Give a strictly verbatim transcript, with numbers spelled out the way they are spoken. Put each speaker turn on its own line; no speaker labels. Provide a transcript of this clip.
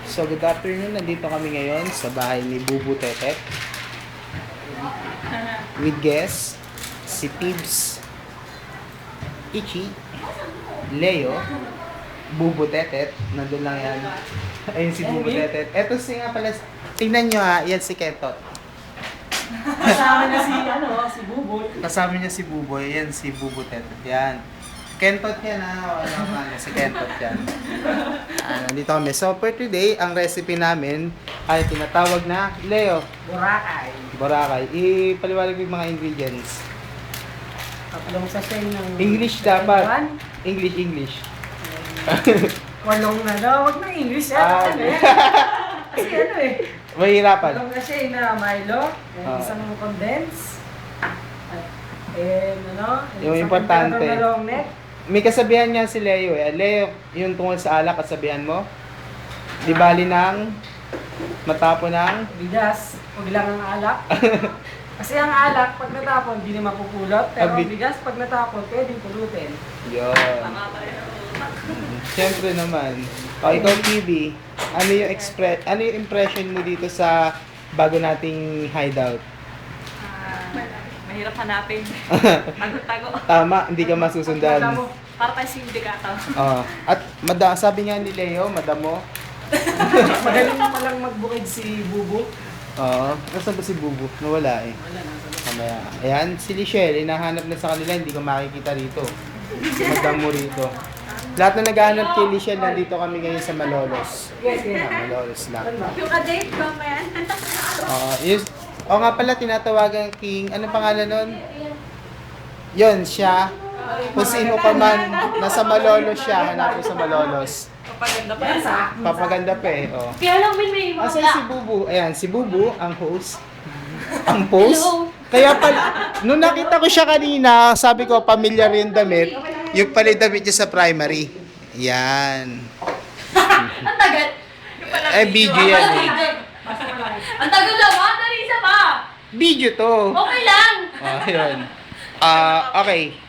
So, good afternoon. Nandito kami ngayon sa bahay ni Bubu Tetet. With guests, si Tibbs, Ichi, Leo, Bubu Tetet. Nandun lang yan. Ayun si Bubu Tetet. Eto si nga pala, tingnan nyo ha, yan si Ketot.
Kasama niya si, ano, si Buboy.
Kasama niya si Buboy, yan si Bubu Tetet. Yan. Kentot yan ha, wala ka na, si Kentot yan. Ah, nandito kami. So for today, ang recipe namin ay tinatawag na Leo.
Boracay.
Boracay. Ipaliwanag yung mga ingredients.
Tatlong sachet ng...
English dapat.
One.
English, English.
Kolong na daw. Huwag na English.
Ah,
Ano eh. Kasi ano eh.
Mahirapan.
Tatlong sachet na Milo.
Ah.
Isang condense. At, eh, ano.
Yung
isang
importante.
temperature na long neck.
May kasabihan niya si Leo eh. Leo, yung tungkol sa alak, kasabihan mo? Di bali ng matapo ng...
Bigas. Huwag lang ang alak. Kasi ang alak, pag natapon, hindi naman pupulot. Pero ang
Abi-
bigas, pag natapon, pwedeng pulutin.
Yun. Siyempre naman. O, ikaw, T V, ano yung, expre- ano yung impression mo dito sa bago nating hideout?
Ah, mahirap hanapin. Tago-tago.
Tama, hindi ka masusundan.
Alam mo,
Para tayo sindikato.
Oh, at mada, sabi nga ni Leo, madamo.
magaling pa lang magbukid si Bubu.
Oo. Nasaan ba si Bubu? Nawala eh.
Wala na.
Mamaya. Ayan, si Lichelle, hinahanap na sa kanila, hindi ko makikita rito. Madamo rito. Lahat na naghahanap kay Lichelle, nandito kami ngayon sa Malolos.
Yes, yes.
Ah, Malolos lang.
Yung ka-date ko, man.
Oo, yes. O nga pala, tinatawagan King, ano pangalan nun? Yun, siya. Kung sino ka man, nasa Malolos siya, hanapin sa Malolos.
Papaganda pa
Yes,
yan.
ah.
Papaganda pa eh, oh.
Kaya lang, Min, may
Asan
wala.
si Bubu? Ayan, si Bubu, ang host. Ang post?
Hello.
Kaya pala, nung nakita ko siya kanina, sabi ko, pamilyar yung damit. Yung pala yung damit niya sa primary. Yan.
Ang tagal. Yung pala
Eh, video yan eh.
Ang tagal lang, ah. Dali isa pa.
Video to.
Okay lang.
Oh, yun. Ah, okay.